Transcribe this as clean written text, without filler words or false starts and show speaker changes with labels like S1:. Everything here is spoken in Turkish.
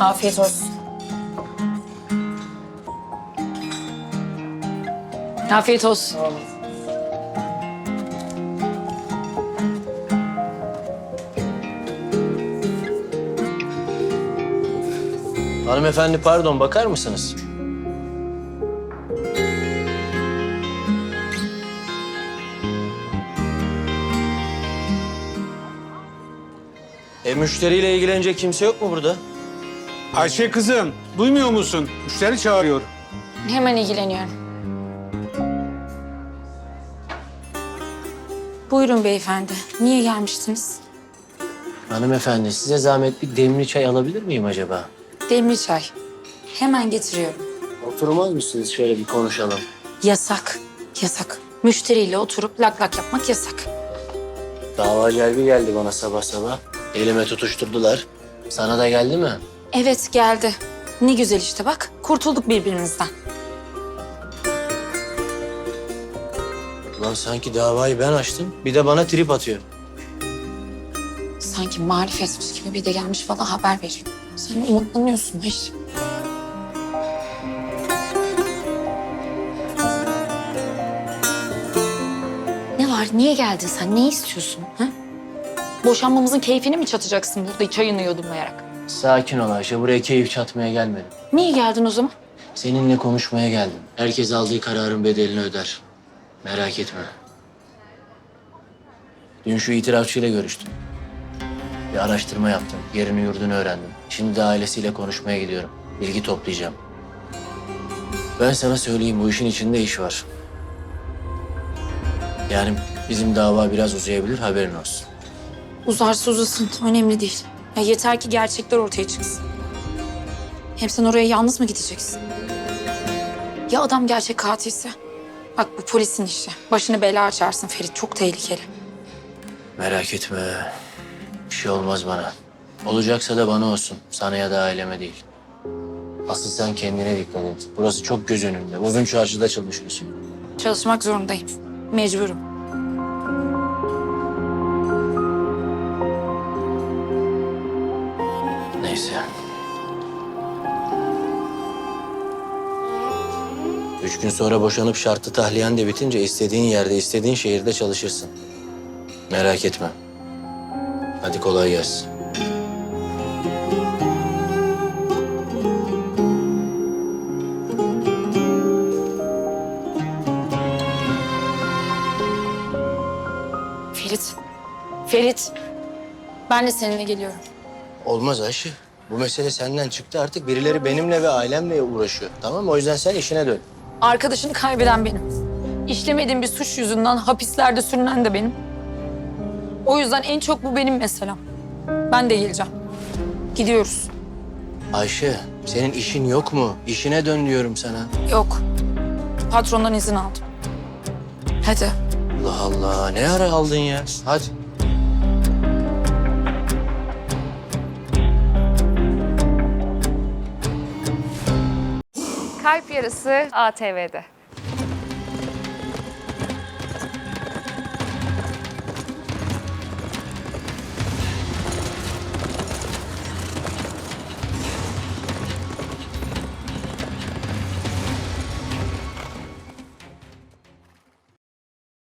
S1: Afiyet olsun. Afiyet olsun.
S2: Hanımefendi pardon, bakar mısınız? Müşteriyle ilgilenecek kimse yok mu burada?
S3: Ayşe kızım, duymuyor musun? Müşteri çağırıyor.
S1: Hemen ilgileniyorum. Buyurun beyefendi. Niye gelmiştiniz?
S2: Hanımefendi, size zahmet bir demli çay alabilir miyim acaba?
S1: Demli çay. Hemen getiriyorum.
S2: Oturmaz mısınız? Şöyle bir konuşalım.
S1: Yasak. Yasak. Müşteriyle oturup lak lak yapmak yasak.
S2: Dava celbi geldi bana sabah sabah. Elime tutuşturdular. Sana da geldi mi?
S1: Evet geldi. Ne güzel işte bak. Kurtulduk birbirimizden.
S2: Ulan sanki davayı ben açtım. Bir de bana trip atıyor.
S1: Sanki marifetmiş gibi bir de gelmiş bana haber veriyor. Sen umutlanıyorsun Ayşe. Ne var? Niye geldin sen? Ne istiyorsun? Ha? Boşanmamızın keyfini mi çatacaksın burada çayını yudumlayarak?
S2: Sakin ol Ayşe. Buraya keyif çatmaya gelmedim.
S1: Niye geldin o zaman?
S2: Seninle konuşmaya geldim. Herkes aldığı kararın bedelini öder. Merak etme. Dün şu itirafçıyla görüştüm. Bir araştırma yaptım. Yerini yurdunu öğrendim. Şimdi de ailesiyle konuşmaya gidiyorum. Bilgi toplayacağım. Ben sana söyleyeyim, bu işin içinde iş var. Yani bizim dava biraz uzayabilir, haberin olsun.
S1: Uzarsa uzasın. Önemli değil. Ya yeter ki gerçekler ortaya çıksın. Hem sen oraya yalnız mı gideceksin? Ya adam gerçek katilse? Bak bu polisin işi. Başını bela açarsın Ferit. Çok tehlikeli.
S2: Merak etme. Bir şey olmaz bana. Olacaksa da bana olsun. Sana ya da aileme değil. Asıl sen kendine dikkat et. Burası çok göz önünde. Uzun çarşıda çalışıyorsun.
S1: Çalışmak zorundayım. Mecburum.
S2: Neyse. 3 gün sonra boşanıp şartlı tahliyen de bitince istediğin yerde, istediğin şehirde çalışırsın. Merak etme. Hadi kolay gelsin.
S1: Ferit. Ferit. Ben de seninle geliyorum.
S2: Olmaz Ayşe. Bu mesele senden çıktı. Artık birileri benimle ve ailemle uğraşıyor. Tamam mı? O yüzden sen işine dön.
S1: Arkadaşını kaybeden benim. İşlemediğim bir suç yüzünden hapislerde sürünen de benim. O yüzden en çok bu benim meselem. Ben de geleceğim. Gidiyoruz.
S2: Ayşe, senin işin yok mu? İşine dön diyorum sana.
S1: Yok. Patrondan izin aldım. Hadi.
S2: Allah Allah. Ne ara aldın ya? Hadi.
S4: Kalp Yarısı ATV'de.